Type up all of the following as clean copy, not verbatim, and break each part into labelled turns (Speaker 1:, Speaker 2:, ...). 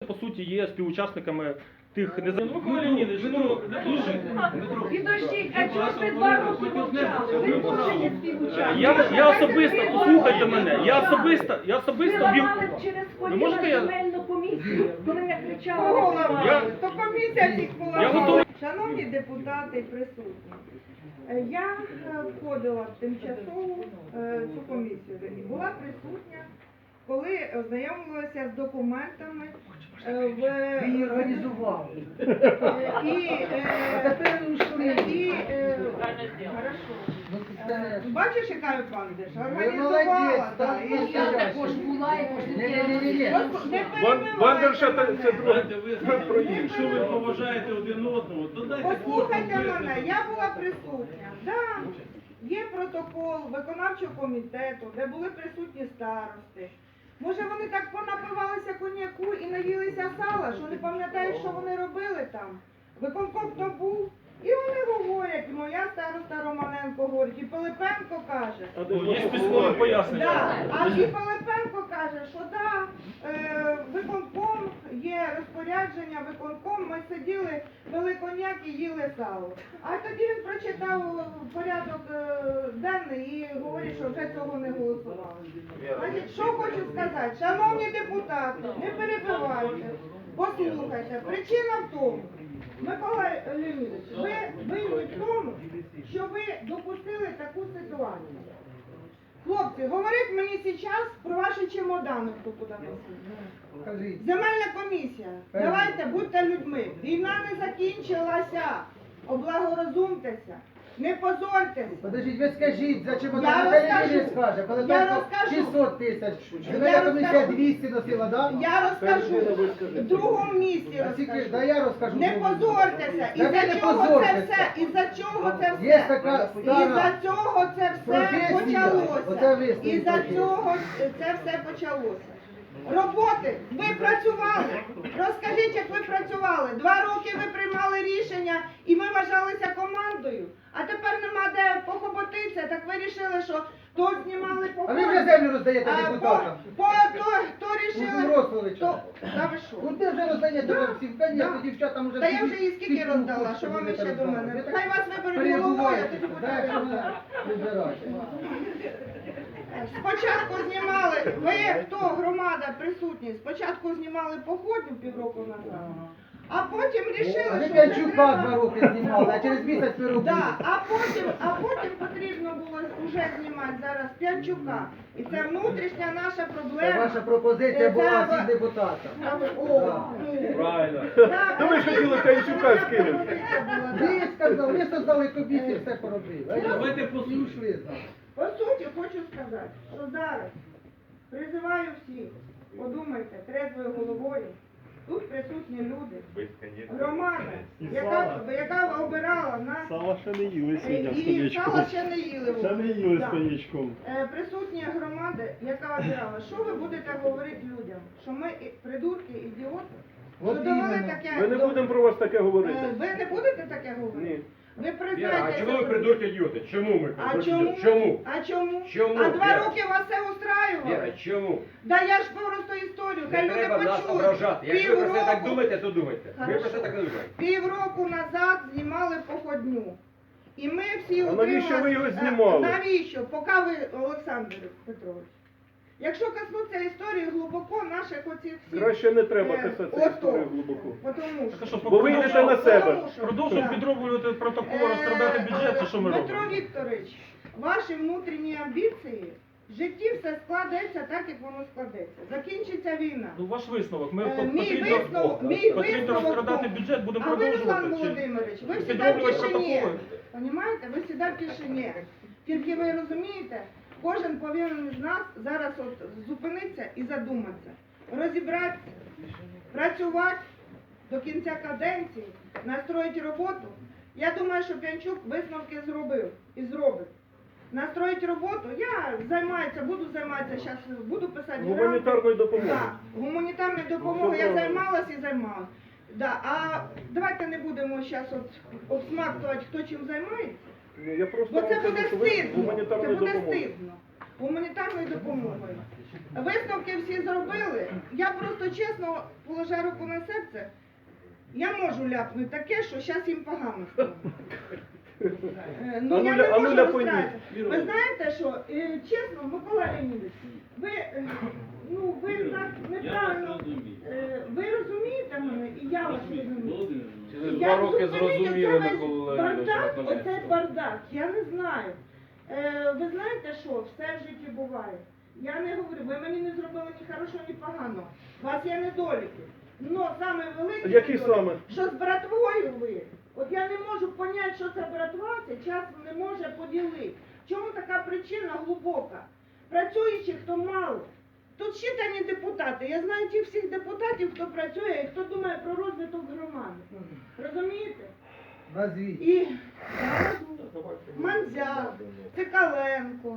Speaker 1: по суті є співучасниками тих
Speaker 2: Підождіть, а чого ж ви 2 роки мовчали? Ви теж є співучасник.
Speaker 1: Я особисто, послухайте мене, я особисто
Speaker 2: Ви
Speaker 1: вів...
Speaker 2: ламали через
Speaker 1: Ви можете
Speaker 2: коліна
Speaker 1: я...
Speaker 2: земельну комісію, коли я кричала.
Speaker 3: Кого ламали? То комісія всіх
Speaker 1: Я
Speaker 3: поламала.
Speaker 1: готовий.
Speaker 3: Шановні депутати і присутні, я входила в тимчасову цю комісію і була присутня, коли ознайомилася з документами в...
Speaker 4: Її організували.
Speaker 3: Бачиш, яка я бандиш?
Speaker 4: Ви молодець,
Speaker 3: Організувала,
Speaker 4: так.
Speaker 3: так.
Speaker 2: Я також була і
Speaker 4: Ні-ні-ні.
Speaker 3: Не перебивайте.
Speaker 5: Якщо ви поважаєте один одного, то дайте
Speaker 3: Послухайте
Speaker 5: кожному
Speaker 3: мене,
Speaker 5: висловити.
Speaker 3: я була присутня. Да, є протокол виконавчого комітету, де були присутні старости. Може вони так понапивалися коньяку і наїлися сала, що не пам'ятають, що вони робили там. Виконком то був. І вони говорять, моя староста Романенко говорить, і Пилипенко каже.
Speaker 1: Є письмові пояснення.
Speaker 3: Да. А і Пилипенко каже, що да, виконком, є розпорядження, виконком, ми сиділи, пили коньяк і їли сало. А тоді він прочитав порядок денний і говорить, що вже цього не голосували. Значить, що хочу сказати, шановні депутати, не перебивайте, послухайте, причина в тому, Микола Леонідович, ви винні в тому, що ви допустили таку ситуацію. Хлопці, говоріть мені зараз про ваші чемодани, хто куди носить.
Speaker 4: Кажіть.
Speaker 3: Земельна комісія, давайте, будьте людьми. Війна не закінчилася. Облагорозумтеся. Не позорьтеся.
Speaker 4: Подождіть, ви скажіть, за чим
Speaker 3: Я
Speaker 4: вона
Speaker 3: розкажу.
Speaker 4: не скаже, коли
Speaker 3: Я
Speaker 4: там
Speaker 3: розкажу.
Speaker 4: 600 тисяч,
Speaker 3: Я
Speaker 4: земельна комісія
Speaker 3: розкажу.
Speaker 4: 200 носила, да?
Speaker 3: Я розкажу. В другому місці
Speaker 4: А скільки ж,
Speaker 3: розкажу.
Speaker 4: да я розкажу.
Speaker 3: Не
Speaker 4: другому.
Speaker 3: позорьтеся.
Speaker 4: Да ви
Speaker 3: Із-за
Speaker 4: не
Speaker 3: чого це
Speaker 4: позорьтеся.
Speaker 3: все? Із-за чого це все?
Speaker 4: Є така
Speaker 3: Із-за
Speaker 4: стара
Speaker 3: цього це все
Speaker 4: професія. Оце
Speaker 3: почалося.
Speaker 4: ви з цим
Speaker 3: Із-за
Speaker 4: професія.
Speaker 3: цього це все почалося. Роботи, ви працювали. Розкажіть, як ви працювали. 2 роки ви приймали рішення і ми вважалися командою. А тепер нема де похоботитися, так ви рішили, що то знімали по
Speaker 4: А ви вже землю роздаєте депутатам.
Speaker 3: то рішили,
Speaker 4: Ростовича.
Speaker 3: то, та ви що?
Speaker 4: Ну ти вже роздаєте вам всім, конечно,
Speaker 3: Да.
Speaker 4: дівчатам вже...
Speaker 3: Та я вже її скільки роздала, що вам ще до мене? Хай вас виберуть головою, а тоді буде. Спочатку знімали, ви хто, громада присутні, спочатку знімали походню півроку назад, а потім
Speaker 4: А
Speaker 3: рішили,
Speaker 4: ви
Speaker 3: що
Speaker 4: П'янчука
Speaker 3: треба...
Speaker 4: 2 роки знімали, а через місяць переробили.
Speaker 3: Да, а потім потрібно було вже знімати зараз П'янчука. І це внутрішня наша проблема.
Speaker 4: Це ваша пропозиція була всім депутатам.
Speaker 1: Правильно.
Speaker 3: То
Speaker 1: ви ж хотіли П'янчука скинути.
Speaker 4: Ви сказали, ви создали комісію, все поробили.
Speaker 5: Давайте
Speaker 4: послухаємо.
Speaker 3: По суті, хочу сказати, що зараз призиваю всіх, подумайте трезвою головою, тут присутні люди, громада, яка обирала нас,
Speaker 6: Сала ще не їли сьогодні з
Speaker 3: і
Speaker 6: коньячком.
Speaker 3: сала ще не їли.
Speaker 6: Ще не їли з
Speaker 3: Да.
Speaker 6: коньячком.
Speaker 3: Присутня громада, яка обирала, що ви будете говорити людям? Що ми придурки, ідіоти? Що
Speaker 4: От
Speaker 3: довели
Speaker 4: іменно.
Speaker 3: таке?
Speaker 1: Ми не будемо про вас таке говорити.
Speaker 3: Ви не будете таке говорити?
Speaker 1: Ні.
Speaker 3: Ви
Speaker 7: Віра,
Speaker 3: признаєте,
Speaker 7: а чому ви придурки ідіоти? Чому ми
Speaker 3: А
Speaker 7: придурки
Speaker 3: чому?
Speaker 7: ідіоти? Чому?
Speaker 3: А чому?
Speaker 7: Чому,
Speaker 3: А 2
Speaker 7: Віра?
Speaker 3: роки вас це устраювало?
Speaker 7: Віра, чому?
Speaker 3: Да я ж просто історію, хай
Speaker 7: Не
Speaker 3: люди
Speaker 7: треба нас
Speaker 3: почують.
Speaker 7: ображати. Якщо ви про це так
Speaker 3: Півроку-
Speaker 7: думаєте, то думайте. Ви
Speaker 3: Хорошо.
Speaker 7: про це так не думаєте.
Speaker 3: Півроку назад знімали походню. І ми всі
Speaker 1: А навіщо ви його
Speaker 3: утрималися-
Speaker 1: знімали?
Speaker 3: Навіщо? Поки ви, Олександр Петрович. Якщо коснуться історії глибоко, наших оцих всіх...
Speaker 1: Краще не треба писати
Speaker 3: ото.
Speaker 1: історію глибоко.
Speaker 3: Потому що...
Speaker 1: Бо ви йдете на себе.
Speaker 3: Тому що-
Speaker 1: Продовжуємо
Speaker 3: Да.
Speaker 1: підроблювати протокол, розкрадати бюджет, чи що ми
Speaker 3: Дмитро
Speaker 1: робимо?
Speaker 3: Вікторович, ваші внутрішні амбіції, в житті все складеться так, як воно складеться. Закінчиться війна.
Speaker 1: Ну, ваш висновок. Ми
Speaker 3: Мій
Speaker 1: потрібно розкрадати
Speaker 3: був.
Speaker 1: бюджет, будемо
Speaker 3: А ви, Руслан
Speaker 1: продовжувати. чи
Speaker 3: Володимирович, ви всегда в
Speaker 1: підроблювати
Speaker 3: тишині.
Speaker 1: протоколи?
Speaker 3: Понимаєте? Ви всегда в тишині. Тільки ви розумієте, кожен повинен з нас зараз от зупинитися і задуматися. Розібратися, працювати до кінця каденції, настроїти роботу. Я думаю, що П'янчук висновки зробив і зробить. Настроїть роботу, я буду займатися, зараз буду писати гранти.
Speaker 1: Гуманітарною допомогою.
Speaker 3: Да, гуманітарною допомогою я займалась і займалась. Да, а давайте не будемо зараз обсмактувати, хто чим займається.
Speaker 1: Я просто
Speaker 3: Бо це
Speaker 1: вам кажу,
Speaker 3: буде
Speaker 1: що ви
Speaker 3: стидно, це
Speaker 1: гуманітарною
Speaker 3: буде
Speaker 1: допомогою.
Speaker 3: стидно. гуманітарною допомогою. Висновки всі зробили. Я просто чесно, положа руку на серце, я можу ляпнути таке, що зараз їм погано стане. Ну, я не можу розказати. Ви знаєте, що, чесно, Микола Леонідович, ви так неправильно, ви розумієте мене, і я вас розумію.
Speaker 6: Через
Speaker 3: Я
Speaker 6: 2 роки
Speaker 3: зрозумію,
Speaker 6: зрозуміли,
Speaker 3: оце
Speaker 6: Микола
Speaker 3: весь
Speaker 6: Леонідович,
Speaker 3: бардак,
Speaker 6: наконець.
Speaker 3: оце бардак, я не знаю. Ви знаєте що, все в житті буває. Я не говорю, ви мені не зробили ні хорошого, ні поганого. У вас є недоліки. Но саме великий
Speaker 1: Які
Speaker 3: недолік,
Speaker 1: саме?
Speaker 3: що з братвою ви. От я не можу поняти, що це братва, це час не може поділити. В чому така причина глибока? Працюючих то мало. Тут считані депутати. Я знаю тих всіх депутатів, хто працює і хто думає про розвиток громади. Розумієте?
Speaker 4: Назвіть.
Speaker 3: І Манзя, Цикаленко,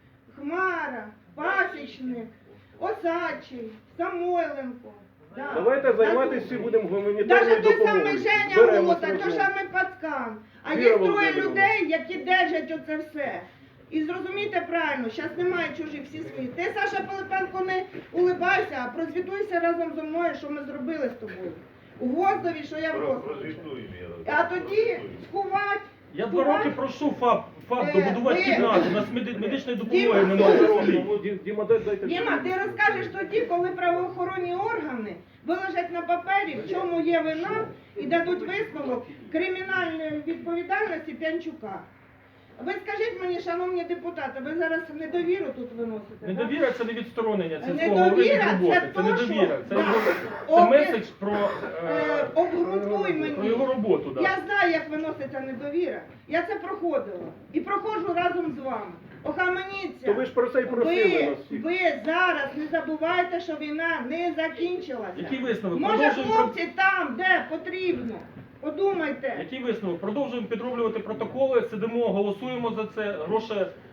Speaker 3: Хмара, Пасічник, Осадчий, Самойленко. Да.
Speaker 1: Давайте займатися всі будемо гуманітарною
Speaker 3: Даже той
Speaker 1: допомогою.
Speaker 3: самий Женя
Speaker 1: Зберемося
Speaker 3: Голота, той
Speaker 1: разом.
Speaker 3: самий Пацкан. А
Speaker 1: Віра
Speaker 3: є троє
Speaker 1: Володимирівна.
Speaker 3: людей, які держать оце все. І зрозумійте правильно, зараз немає чужих, всі свої. Ти, Саша Пилипенко, не улибайся, а прозвітуйся разом зі мною, що ми зробили з тобою. У Гвоздові, що я в Гвоздові. А тоді скувати.
Speaker 1: Я 2 роки прошу ФАП
Speaker 3: Е,
Speaker 1: добудувати
Speaker 3: ви-
Speaker 1: кімнату, у нас медичної допомоги
Speaker 3: Діма,
Speaker 1: немає.
Speaker 3: слухай.
Speaker 1: Діма, дайте.
Speaker 3: Діма, ти розкажеш тоді, коли правоохоронні органи виложать на папері, в чому є вина, і дадуть висновок кримінальної відповідальності П'янчука. Ви скажіть мені, шановні депутати, ви зараз недовіру тут виносите? так?
Speaker 1: Недовіра це не відсторонення сільського
Speaker 3: Недовіра
Speaker 1: голови від
Speaker 3: це
Speaker 1: роботи. Це
Speaker 3: то,
Speaker 1: недовіра.
Speaker 3: що-
Speaker 1: Це,
Speaker 3: Да.
Speaker 1: це меседж про,
Speaker 3: Обґрунтуй
Speaker 1: про
Speaker 3: мені.
Speaker 1: його роботу. Да.
Speaker 3: Я знаю, як виноситься недовіра. Я це проходила. І проходжу разом з вами. Охаменіться.
Speaker 1: То ви ж про це й просили нас всіх.
Speaker 3: Ви зараз не забувайте, що війна не закінчилася.
Speaker 1: Який висновок?
Speaker 3: Може,
Speaker 1: Продовжуємо
Speaker 3: хлопці там, де потрібно. Подумайте.
Speaker 1: Який висновок? Продовжуємо підроблювати протоколи, сидимо, голосуємо за це, гроші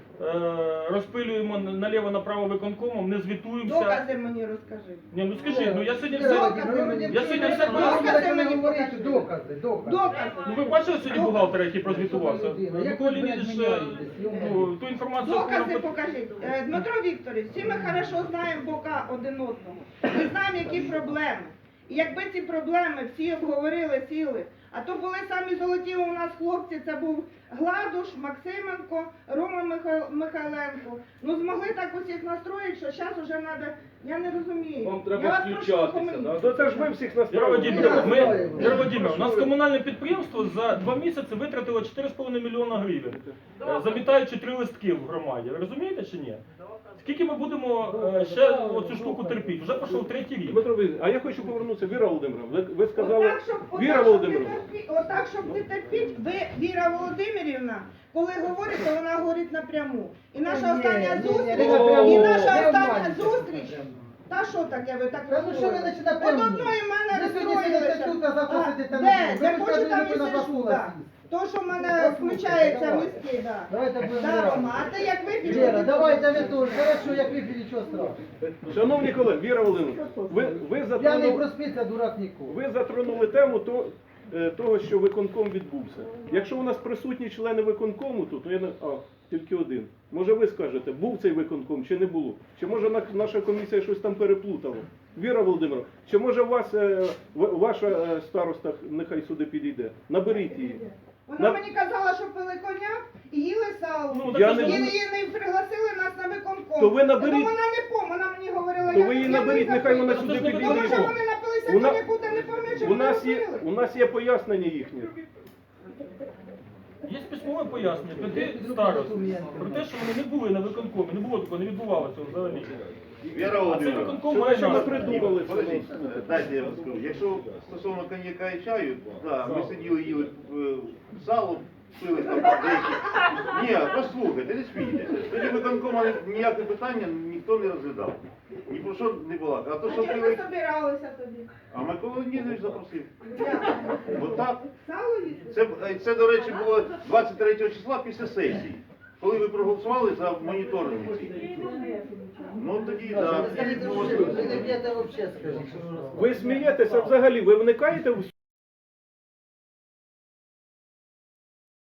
Speaker 1: розпилюємо наліво-направо виконкомом, не звітуємося.
Speaker 3: Докази мені розкажи.
Speaker 1: Ні, ну скажіть, ну я сьогодні
Speaker 3: Докази.
Speaker 1: все... Я сьогодні все
Speaker 3: Докази мені
Speaker 4: говорити,
Speaker 3: покажи.
Speaker 4: докази.
Speaker 3: Докази.
Speaker 1: Ну ви бачили сьогодні бухгалтера, який прозвітувався?
Speaker 4: Людина, як
Speaker 1: Микола
Speaker 4: ви, блядь,
Speaker 1: Леонідович,
Speaker 4: міняєтесь,
Speaker 1: ну, ту інформацію...
Speaker 3: Докази покажіть. Дмитро Вікторович, всі ми хорошо знаємо бока один одного. Ми знаємо, які проблеми. І якби ці проблеми всі обговорили, сіли, а то були самі золоті у нас хлопці, це був Гладуш, Максименко, Рома Михайленко. Ну змогли так усіх настроїти, що зараз уже треба, я не розумію.
Speaker 6: Вам треба
Speaker 3: Я вас прошу,
Speaker 6: включатися,
Speaker 3: коментуйте.
Speaker 6: да?
Speaker 1: То це ж ви всіх настроїли. Віра Вадимівна, у нас комунальне підприємство за 2 місяці витратило 4,5 мільйона гривень, замітаючи 3 листки в громаді. Ви розумієте чи ні? Скільки ми будемо ще оцю штуку терпіти? Вже пішов 3-й рік.
Speaker 8: Дмитро Вікторович, а я хочу повернутися. Віра Володимирівна, ви сказали...
Speaker 3: Отак,
Speaker 8: Віра Володимирівна,
Speaker 3: щоб не терпіть, ви, Віра Володимирівна, коли говорите, вона говорить напряму. І наша остання зустріч, і наша остання зустріч. Та що таке, ви так
Speaker 4: Та ну що ви
Speaker 3: розстроїлися?
Speaker 4: починаєте
Speaker 3: От
Speaker 4: прямо?
Speaker 3: одної в мене
Speaker 4: Ви сьогодні сидите
Speaker 3: розстроїлися.
Speaker 4: тут, а завтра сидите на
Speaker 3: Де?
Speaker 4: другій.
Speaker 3: Я
Speaker 4: Ви
Speaker 3: хочу
Speaker 4: скажете,
Speaker 3: там
Speaker 4: ви на
Speaker 3: і сижу,
Speaker 4: забула
Speaker 3: так.
Speaker 4: сісти.
Speaker 3: То, що в мене
Speaker 4: Послухайте,
Speaker 3: включається
Speaker 4: давай.
Speaker 3: мізки, так.
Speaker 4: Давайте будемо
Speaker 3: Да,
Speaker 4: грати.
Speaker 3: Рома, а ти як вип'єш?
Speaker 4: Віра,
Speaker 3: тоді
Speaker 4: давайте ви
Speaker 3: будеш.
Speaker 4: тут. Хорошо, як вип'є, нічого страшного.
Speaker 8: шановні колеги, Віра Володимирівна, ви
Speaker 4: П'яний
Speaker 8: затронули...
Speaker 4: проспиться, дурак ніколи.
Speaker 8: Ви затронули тему того, що виконком відбувся. Якщо у нас присутні члени виконкому тут, то я не... тільки один. Може ви скажете, був цей виконком чи не було? Чи може наша комісія щось там переплутала? Віра Володимирівна, чи може ваша староста нехай сюди підійде? Наберіть її.
Speaker 3: Вона мені казала, що пили коньяк і їли сало.
Speaker 1: Ну,
Speaker 8: Я
Speaker 1: так
Speaker 8: не-
Speaker 1: це ж-
Speaker 3: І не пригласили нас на виконком.
Speaker 8: То ви наберіть-
Speaker 3: Ну, вона не пом, вона мені говорила,
Speaker 8: То ви її наберіть, нехай вона
Speaker 1: сюди
Speaker 8: сюди
Speaker 1: підійде.
Speaker 8: підійде.
Speaker 3: Тому що вони напилися
Speaker 8: Вона-
Speaker 3: коньяку, та не пам'ятають, що
Speaker 8: У
Speaker 3: вони
Speaker 8: нас
Speaker 3: робили.
Speaker 8: є пояснення їхнє.
Speaker 1: Є письмове пояснення 5 старост про те, що вони не були на виконкомі, не було такого, не відбувалося взагалі.
Speaker 9: Віра
Speaker 1: А це
Speaker 9: Володимирівна,
Speaker 1: виконком
Speaker 8: Що
Speaker 1: має
Speaker 8: ви
Speaker 1: назву.
Speaker 8: придумали?
Speaker 9: подождіть, дайте я вам скажу. Якщо стосовно коньяка і чаю, да, ми сиділи, їли сало, пили там деякі. Ні, послухайте, не смійтеся. Тоді виконкома ніяке питання ніхто не розглядав. Ні про що не було. А то,
Speaker 3: А
Speaker 9: що
Speaker 3: чим ви
Speaker 9: пили,
Speaker 3: собиралися тоді?
Speaker 9: а Микола Леонідович запросив.
Speaker 3: Як?
Speaker 9: Отак.
Speaker 3: Сало їсти?
Speaker 9: Це, до речі, було 23 числа після сесії. Коли ви проголосували за моніторинг. Ну тоді, так.
Speaker 4: Скажіть, ви не б'єте взагалі, скажіть.
Speaker 8: Ви смієтеся взагалі, ви вникаєте в